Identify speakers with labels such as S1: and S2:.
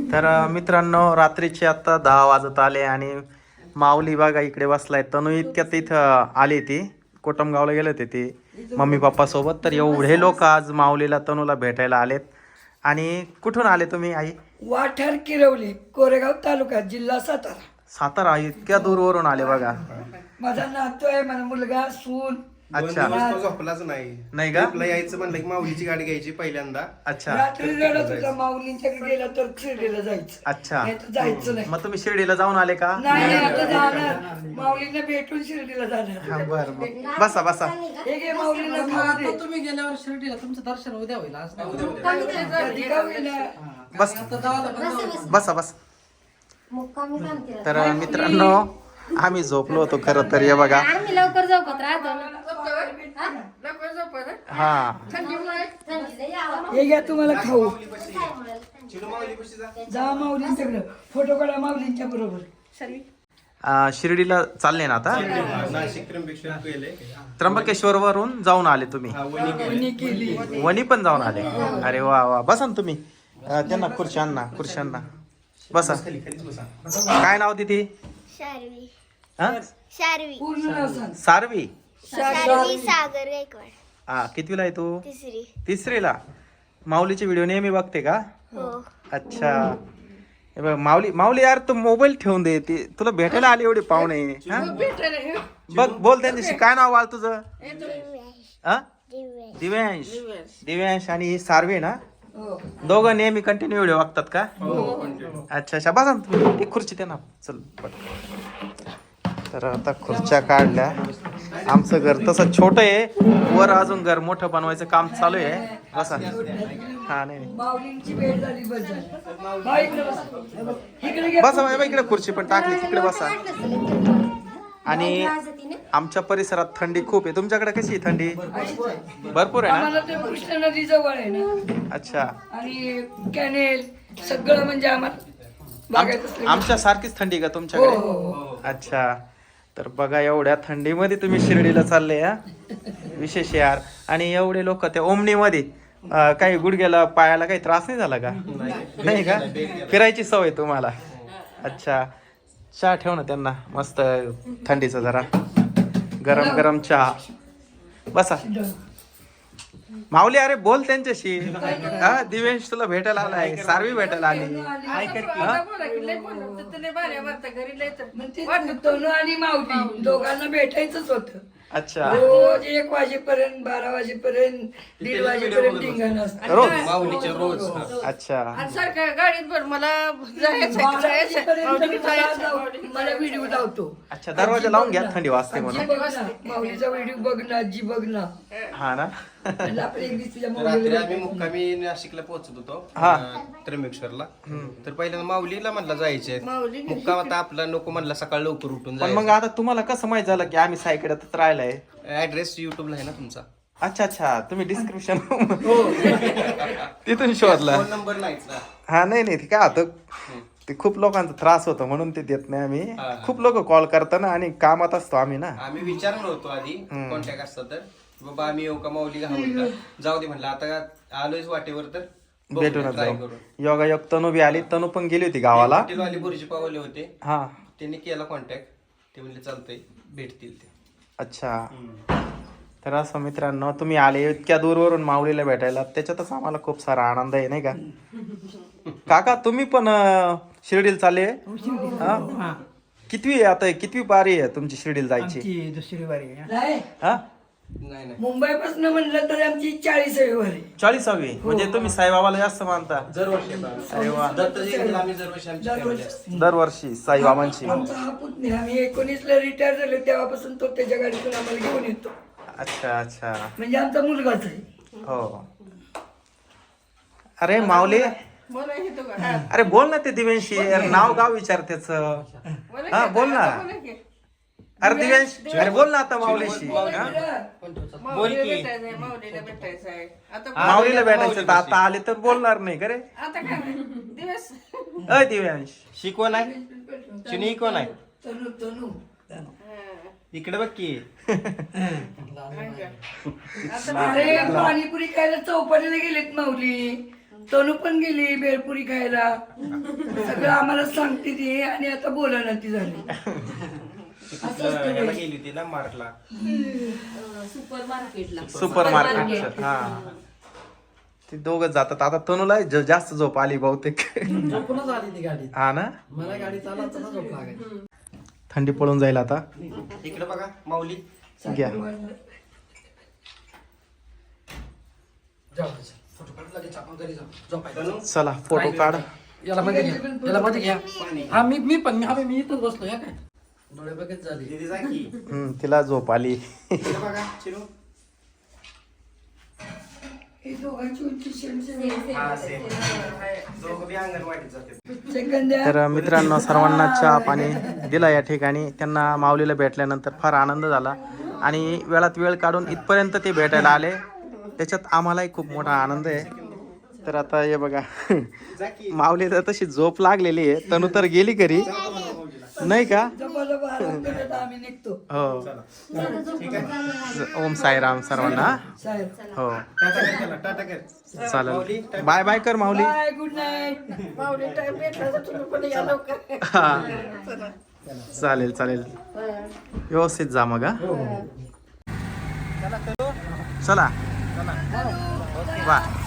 S1: तर मित्रांनो रात्रीचे आता 10 वाजत आले आणि माऊली बघा इकडे बसलाय. तनू इतक्यात इथं आली ती कोटमगावला गेले होते ती मम्मी पप्पा सोबत. तर एवढे लोक आज माऊलीला तनूला भेटायला आलेत. आणि कुठून आले तुम्ही आई?
S2: वाठार किरवली, कोरेगाव तालुका, जिल्हा सातारा.
S1: सातारा इतक्या दूरवरून आले बघा.
S2: माझा नातू आहे, माझा मुलगा, सून.
S1: अच्छा.
S3: झोपलाच
S1: नाही का?
S3: आपला यायचं म्हणलं की माऊलीची गाडी घ्यायची पहिल्यांदा.
S1: अच्छा
S2: रात्री रडत होता, माऊलींच्याकडे गेला तर शिर्डीला जायचं.
S1: अच्छा.
S2: नाही तर जायचं नाही.
S1: मग तुम्ही शिर्डीला जाऊन आले का?
S2: नाही आता जाणार, माऊलींना भेटून शिर्डीला जाणार.
S1: हा, बरं बसा बसा.
S2: हे घे माऊलींना खाऊ दे.
S4: तुम्ही गेल्यावर शिर्डीला तुमचं दर्शन उद्या होईल आज नाही
S2: कधी का होईना.
S1: बस बसा बस. तर मित्रांनो आम्ही झोपलो होतो खरं तर. हे बघा
S5: आम्ही लवकर झोपत राहतो.
S1: हा
S2: हे घ्या तुम्हाला खाऊ. जा माऊलींच्याकडे, फोटो काढा माऊलींच्या बरोबर.
S1: शिर्डीला चालले ना आता?
S3: नाशिक त्र्यंबकेश्वर गेले.
S1: त्र्यंबकेश्वर वरून जाऊन आले तुम्ही?
S2: कोणी केली.
S1: वणी पण जाऊन आले. अरे वा वा. बसा ना तुम्ही. त्यांना खुर्च्यांना बसा. काय नाव तिथे?
S6: शार्वी.
S1: हा?
S6: शार्वी.
S2: पूर्ण नाव सांग.
S1: सारवी.
S6: शार्वी सागर गायकवाड.
S1: हा कितवीला आहे तू?
S6: तिसरी.
S1: तिसरीला. माऊलीचे व्हिडिओ नेहमी बघते का?
S6: हो.
S1: अच्छा. हे बघ माऊली यार तू मोबाईल ठेवून दे. ती तुला भेटायला आली एवढी पाहुणे. हा? बघ बोल त्यांच्याशी. काय नाव बाळ तुझं? हा? दिव्यांश आणि ही सारवी ना? दोघं नेहमी कंटिन्यू व्हिडिओ बघतात का? अच्छा अच्छा. बसा ना तुम्ही. ती खुर्ची ते ना. चल तर आता खुर्च्या काढल्या. आमचं घर तसं छोटं आहे, वर अजून घर मोठं बनवायचं काम चालू आहे. बसा. हा नाही
S2: माऊलींची भेट झाली, बस झाली. बा, इकडे बसा. इकडे घ्या.
S1: बसा बाबा. इकडे खुर्ची पण टाकली, तिकडे बसा. आणि आमच्या परिसरात थंडी खूप आहे. तुमच्याकडे कशी आहे थंडी? भरपूर आहे ना?
S2: आम्हाला ते कृष्णा नदी जवळ आहे ना,
S1: अच्छा.
S2: आणि कॅनेल सगळं म्हणजे आम्हाला बागायत असलं.
S1: आमच्या सारखीच थंडी का
S2: हो
S1: तुमच्याकडे?
S2: हो हो.
S1: अच्छा. तर बघा एवढ्या थंडीमध्ये तुम्ही शिर्डीला चालले या. विशेष यार. आणि एवढे लोक त्या ओमनीमध्ये काही गुडघ्याला पायाला काही त्रास नाही झाला का? नाही का? फिरायची सवय तुम्हाला? अच्छा. चहा ठेव ना त्यांना मस्त थंडीचा जरा गरम गरम चहा. बसा. माऊली अरे बोल त्यांच्याशी. हा दिवेश तुला भेटायला आलाय, सारवी भेटायला आली.
S2: तनू आणि माऊली दोघांना भेटायचंच होतं.
S1: अच्छा.
S2: रोज 1 वाजेपर्यंत, 12 वाजेपर्यंत, 1:30 वाजेपर्यंत धिंगाण असतं.
S1: रोज?
S3: माऊलीचे रोज.
S1: अच्छा.
S4: सारखं गाडीत भर मला
S2: 12 वाजेपर्यंत मला व्हिडिओ लावतो.
S1: अच्छा. दरवाजा लावून घ्या, थंडी वाजते म्हणून.
S2: बघ ना, माऊलीचा व्हिडिओ बघ ना, आजी बघ ना.
S1: हा ना?
S2: आणि आपल्या एक दिवशीच्या
S3: रात्री
S2: माऊलीला
S3: आम्ही मुक्कामी नाशिकला पोहोचत होतो,
S1: हा.
S3: त्र्यंबकेश्वरला. तर पहिल्यांदा माऊलीला म्हणला जायचे मुक्काम. आता आपला नको म्हणला सकाळ लवकर उठून
S1: पण मग आता तुम्हाला कसं माहित झालं की आम्ही साईकडेच राहिलाय?
S3: ऍड्रेस युट्यूबला आहे ना तुमचा.
S1: अच्छा अच्छा. तुम्ही डिस्क्रिप्शन तिथून शोधला?
S3: फोन नंबर नाहीच ना.
S1: हा नाही नाही. ते काय होतं, ते खूप लोकांचा त्रास होतो म्हणून ते देत नाही आम्ही.
S3: हा.
S1: खूप लोक कॉल करताना आणि कामात असतो आम्ही ना.
S3: आम्ही विचारलो होतो आधी कॉन्टॅक्ट असता तर बाबा आम्ही येऊ का माऊली घालून का. जाऊ दे म्हणलं आता आलोयच वाटेवर तर
S1: भेटूनच
S3: ट्राय
S1: जाऊ.
S3: करून.
S1: योगायोग तनू बी आली. तनू पण गेली होती गावाला.
S3: हॉटेलवाले बुर्जी पावले होते,
S1: हा.
S3: त्यांनी केला कॉन्टॅक्ट. ते म्हणले चालतंय भेटतील ते.
S1: अच्छा. तर असं मित्रांनो तुम्ही आले इतक्या दूरवरून माऊलीला भेटायला, त्याच्यातच आम्हाला खूप सारा आनंद आहे नाही का? काका तुम्ही पण शिर्डीला चालले? हा? कितवी आहे आता? कितवी पारी आहे तुमची शिर्डीला जायची?
S4: दुसरी वारी
S2: नाही,
S1: हा?
S3: नाही नाही.
S2: मुंबईपासून म्हणलं तर आमची 40वी वारी.
S1: 40वी. म्हणजे तुम्ही साईबाबाला जास्त मानता?
S3: दरवर्षी
S1: अरे वा.
S3: दत्त जयंतीला आम्ही दरवर्षी आमची family असते.
S1: दरवर्षी साईबाबांची.
S2: आमचा हा पुतण्या, आम्ही 19ला रिटायर झालो तेव्हापासून तो त्याच्या गाडीतून आम्हाला घेऊन येतो.
S1: अच्छा अच्छा.
S2: म्हणजे आमचा मुलगाच आहे.
S1: हो. अरे माऊली अरे बोल ना ते दिव्यांशी. नाव गाव विचार त्याच. हा बोल ना. अरे दिव्यांश अरे बोल ना आता माऊलीशी. हा? माऊलीला भेटायचं तर आता आले तर बोलणार नाही का रे? अय दिव्यांश.
S3: शिकवण आहे चिनी कोण आहे
S2: तनू तनू
S3: इकडे बघ की.
S2: अरे पाणीपुरी खायला चौपाटीला गेलेत माऊली. तनू पण गेली बेळपुरी खायला सगळं आम्हाला सांगते ती आणि आता बोलायला ती झाली
S3: याला गेली होती ना मार्कला.
S5: सुपर मार्केटला.
S1: Super market. हा ते दोघच जातात. आता तनुला जास्त झोप आली बहुतेक.
S4: झोपूनच आली ती गाडी.
S1: हा ना,
S4: मला गाडी चालवताना झोप लागायची.
S1: थंडी पळून जाईल आता.
S3: इकडे बघा माऊली.
S1: घ्या.
S4: जाऊ दे, चल. फोटो काढ लगेच आपण घरी जाऊ. झोपायचं.
S1: चला फोटो काढ.
S4: याला मध्ये घ्या. याला मध्ये घ्या. हा मी पण मी इथंच बसलो या काय. डोळे बघत झाली.
S3: दीदी जा की.
S1: तिला झोप आली.
S3: इकडे बघा चिरू.
S2: हे दोघांची उंची सेम
S3: हा सेम. दोघं बी अंगणवाडीत जाते.
S2: सेकंद
S1: तर मित्रांनो, सर्वांना चहा पाणी दिला या ठिकाणी. त्यांना माऊलीला भेटल्यानंतर फार आनंद झाला आणि वेळात वेळ काढून इथपर्यंत ते भेटायला आले, त्याच्यात आम्हालाही खूप मोठा आनंद आहे. तर आता हे बघा, माऊली तर तशी झोप लागलेली आहे. तनू तर गेली घरी नाही का.
S2: आम्ही निघतो.
S1: हो, ओम साईराम सर्वांना.
S2: साहेब
S1: हो
S3: टाटा कर त्याला, टाटा कर.
S1: चालेल. बाय बाय कर Mauli.
S2: Bye good night.
S4: Mauli time भेटला तर तुम्ही पण या लवकर.
S1: हा. चालेल चालेल, व्यवस्थित जा मग. हा चला. वा.